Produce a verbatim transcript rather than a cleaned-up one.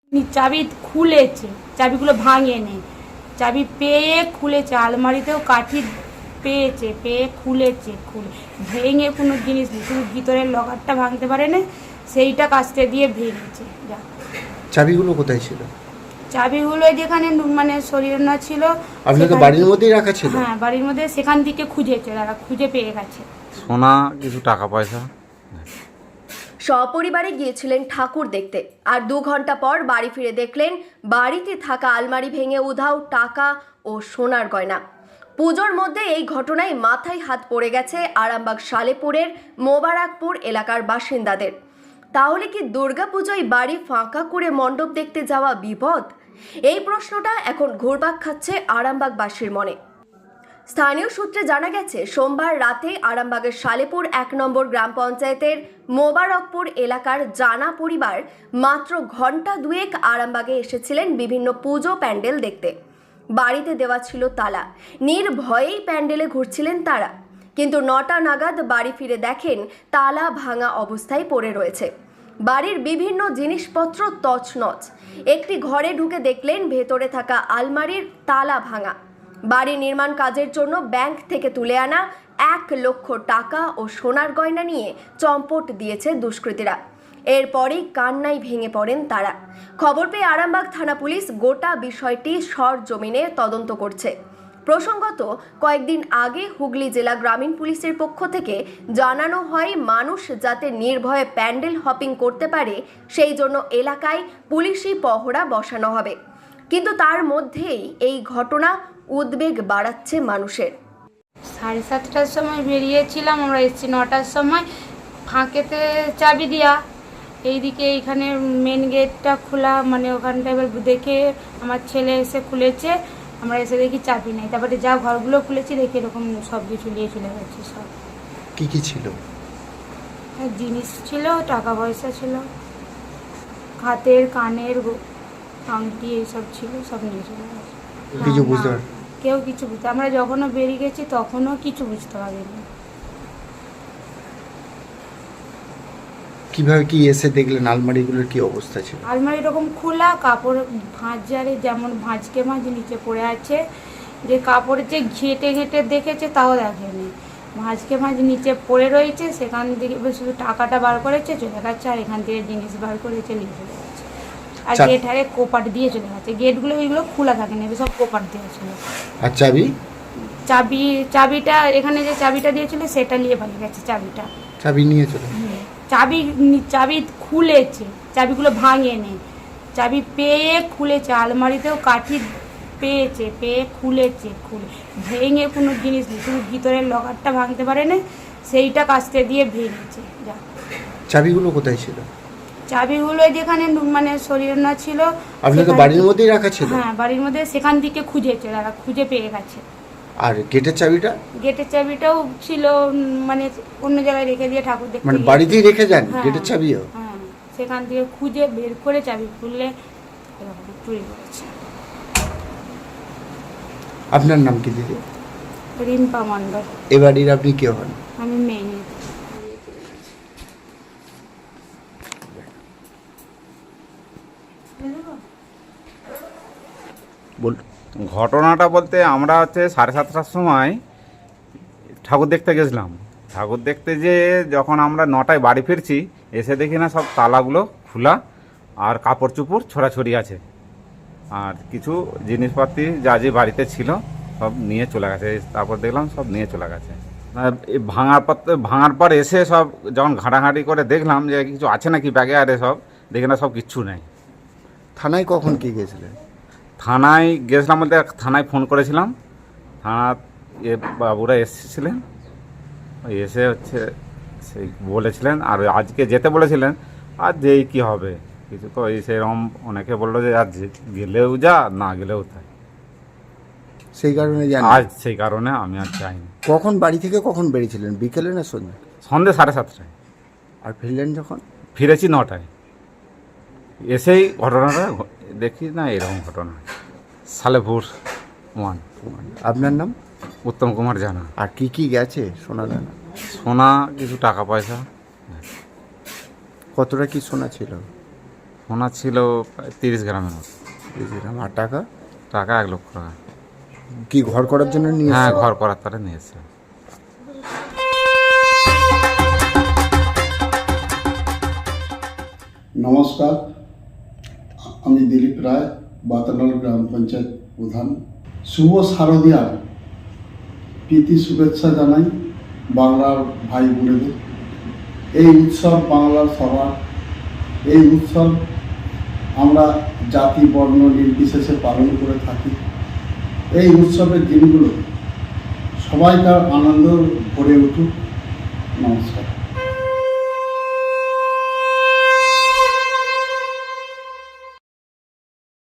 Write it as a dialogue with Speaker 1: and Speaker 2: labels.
Speaker 1: চাবি খুলেছে, চাবিগুলো ভাঙেনি, চাবি পেয়ে খুলেছে, আলমারিতেও কাঠি পেয়েছে, পেয়ে খুলেছে, খুলে ভেঙে কোনো জিনিস নেই, শুধু ভিতরের লকারটা ভাঙতে পারে না, সেইটা কাস্তে দিয়ে ভেঙেছে। যা
Speaker 2: চাবিগুলো কোথায় ছিল?
Speaker 1: চাবিগুলো যেখানে মানে শরীর না ছিল,
Speaker 2: আপনাদের বাড়ির মধ্যেই রাখা ছিল?
Speaker 1: হ্যাঁ, বাড়ির মধ্যে, সেখান থেকে খুঁজেছে, তারা খুঁজে পেয়ে গেছে।
Speaker 3: সোনা, কিছু টাকা পয়সা।
Speaker 4: সপরিবারে গিয়েছিলেন ঠাকুর দেখতে, আর দু ঘন্টা পর বাড়ি ফিরে দেখলেন বাড়িতে থাকা আলমারি ভেঙে উধাও টাকা ও সোনার গয়না। পুজোর মধ্যে এই ঘটনায় মাথায় হাত পড়ে গেছে আরামবাগ সালেপুরের মোবারকপুর এলাকার বাসিন্দাদের। তাহলে কি দুর্গাপুজোয় বাড়ি ফাঁকা করে মণ্ডপ দেখতে যাওয়া বিপদ? এই প্রশ্নটা এখন ঘুরপাক খাচ্ছে আরামবাগবাসীর মনে। স্থানীয় সূত্রে জানা গেছে, সোমবার রাতে আরামবাগের সালেপুর এক নম্বর গ্রাম পঞ্চায়েতের মোবারকপুর এলাকার জানা পরিবার মাত্র ঘন্টা দুয়েক আরামবাগে এসেছিলেন বিভিন্ন পুজো প্যান্ডেল দেখতে। বাড়িতে দেওয়া ছিল তালা, নির্ভয়েই প্যান্ডেলে ঘুরছিলেন তারা। কিন্তু নটা নাগাদ বাড়ি ফিরে দেখেন তালা ভাঙা অবস্থায় পড়ে রয়েছে। বাড়ির বিভিন্ন জিনিসপত্র তছনছ। একটি ঘরে ঢুকে দেখলেন ভেতরে থাকা আলমারির তালা ভাঙা। বাড়ি নির্মাণ কাজের জন্য ব্যাংক থেকে তুলে আনা এক লক্ষ টাকা ও সোনার গয়না নিয়ে চম্পট দিয়েছে দুষ্কৃতীরা। এরপরেই কান্নায় ভেঙে পড়েন তারা। খবর পেয়ে আরামবাগ থানা পুলিশ গোটা বিষয়টি সরজমিনে তদন্ত করছে। প্রসঙ্গত, কয়েকদিন আগে হুগলি জেলা গ্রামীণ পুলিশের পক্ষ থেকে জানানো হয়, মানুষ যাতে নির্ভয়ে প্যান্ডেল হপিং করতে পারে সেই জন্য এলাকায় পুলিশি পহরা বসানো হবে। কিন্তু তার মধ্যেই এই ঘটনা উদ্বেগ বাড়াচ্ছে মানুষের।
Speaker 1: সাড়ে সাতটার সময় বেরিয়েছিলাম, আমরা এসেছি নটার সময়, ফাঁকেতে চাবি দেওয়া, এইদিকে এইখানে মেন গেটটা খোলা, মানে ওখানটা এবার দেখে আমার ছেলে এসে খুলেছে, আমরা এসে দেখি চাবি নেই। তারপরে যা ঘরগুলো খুলেছি দেখি এরকম সব কিছু নিয়ে চলে গেছে। সব
Speaker 2: কি কি ছিল?
Speaker 1: জিনিস ছিল, টাকা পয়সা ছিল, হাতের কানের আংটি এইসব ছিল, সব নিয়ে চলে গেছে।
Speaker 2: কিছু বুঝতে পার
Speaker 1: কেউ কিছু বুঝতে, আমরা যখনও বেরিয়ে গেছি তখনও কিছু বুঝতে পারিনি।
Speaker 2: কিভাবে কি এসে দেখলেন আলমারিগুলোর কি অবস্থা ছিল?
Speaker 1: আলমারি এরকম খোলা, কাপড় ভাঁজারে যেমন ভাঁজকে মাঝ নিচে পড়ে আছে, যে কাপড়ের যে ঘেঁটে ঘেঁটে দেখেছে তাও দেখেনি, ভাঁজকে মাঝ নিচে পড়ে রয়েছে, সেখান থেকে শুধু টাকাটা বার করেছে চলে গেছে, আর এখান থেকে জিনিস বার করেছে নিয়ে চলে গেছে। আর গেট হারে কোপাট দিয়ে চলে গেছে, গেটগুলো এইগুলো খোলা থাকে না, সব কোপাট দিয়েছিল।
Speaker 2: আর চাবি?
Speaker 1: চাবি চাবিটা এখানে যে চাবিটা দিয়েছিল সেটা নিয়ে পালিয়ে গেছে। চাবিটা
Speaker 2: চাবি নিয়ে চলে
Speaker 1: চাবি চাবি খুলেছে, চাবিগুলো ভাঙেনি, চাবি পেয়ে খুলেছে, আলমারিতেও কাঠি পেয়েছে, পেয়ে খুলেছে, খুলে ভেঙে কোনো জিনিস নেই, শুধু ভিতরের লকারটা ভাঙতে পারে না, সেইটা কাস্তে দিয়ে ভেঙেছে। যা
Speaker 2: চাবিগুলো কোথায় ছিল?
Speaker 1: চাবিগুলো যেখানে মানে শরীর না ছিল,
Speaker 2: আপনাদের বাড়ির মধ্যেই রাখা ছিল?
Speaker 1: হ্যাঁ, বাড়ির মধ্যে, সেখান থেকে খুঁজেছে, তারা খুঁজে পেয়ে গেছে।
Speaker 2: আর গেটের চাবিটা?
Speaker 1: গেটের চাবিটাও ছিল, মানে অন্য জায়গায় রেখে দিয়ে ঠাকুর দেখতে,
Speaker 2: মানে বাড়িতেই রেখে যান গেটের চাবিও?
Speaker 1: হ্যাঁ, সেখান থেকে খুঁজে বের করে চাবি খুললে চুরি করেছে।
Speaker 2: আপনার নাম কি দিদি?
Speaker 1: রিম্পা মণ্ডল।
Speaker 2: এ বাড়ির আপনি কে হন?
Speaker 1: আমি মেয়ে।
Speaker 2: বল।
Speaker 3: ঘটনাটা বলতে, আমরা হচ্ছে সাড়ে সাতটার সময় ঠাকুর দেখতে গেছিলাম। ঠাকুর দেখতে যে যখন আমরা নটায় বাড়ি ফিরছি, এসে দেখি না সব তালাগুলো খোলা, আর কাপড় চুপড় ছড়াছড়ি আছে, আর কিছু জিনিসপাতি যা যে বাড়িতে ছিল সব নিয়ে চলে গেছে। তারপর দেখলাম সব নিয়ে চলে গেছে। ভাঙার পর ভাঙার পর এসে সব যখন ঘাঁটাঘাঁটি করে দেখলাম যে কিছু আছে নাকি ব্যাগে, আরে সব দেখে না সব কিচ্ছু নেই।
Speaker 2: থানায় কখন কি গেছিলেন?
Speaker 3: থানায় গেছিলাম বলতে, থানায় ফোন করেছিলাম, থানা এ বাবুরা এসেছিলেন, এসে হচ্ছে সেই বলেছিলেন, আর আজকে যেতে বলেছিলেন, আর যেই কি হবে কিছু তো এই সেরকম অনেকে বললো যে আজ গেলেও যা, না গেলেও তাই,
Speaker 2: সেই কারণে জানি
Speaker 3: আজ সেই কারণে আমি আর যাইনি।
Speaker 2: কখন বাড়ি থেকে কখন বেরিয়েছিলেন? বিকেলে না সন্ধ্যে?
Speaker 3: সন্ধ্যে সাড়ে সাতটায়।
Speaker 2: আর ফিরলেন যখন?
Speaker 3: ফিরেছি নটায়। এসেই ঘটনাটা দেখি না এরকম ঘটনা। সালেপুর ওয়ান।
Speaker 2: আপনার নাম?
Speaker 3: উত্তম কুমার জানা।
Speaker 2: আর কি কি গেছে? সোনা দানা?
Speaker 3: সোনা, কিছু টাকা পয়সা।
Speaker 2: কতটা কি সোনা ছিল?
Speaker 3: সোনা ছিল প্রায় তিরিশ গ্রামের মতো।
Speaker 2: বুঝলাম। আর টাকা
Speaker 3: টাকা এক লক্ষ টাকা।
Speaker 2: কি ঘর করার জন্য নিয়ে
Speaker 3: হ্যাঁ,
Speaker 2: এসেছে?
Speaker 3: ঘর করার তারা নিয়েছে।
Speaker 5: নমস্কার, আমি দিলীপ রায়, বাতানল গ্রাম পঞ্চায়েত প্রধান। শুভ শারদীয়ার প্রীতি শুভেচ্ছা জানাই বাংলার ভাই বোনেদের। এই উৎসব বাংলার সবার, এই উৎসব আমরা জাতি বর্ণ নির্বিশেষে পালন করে থাকি। এই উৎসবের দিনগুলো সবাইকার আনন্দ ভরে উঠুক। নমস্কার।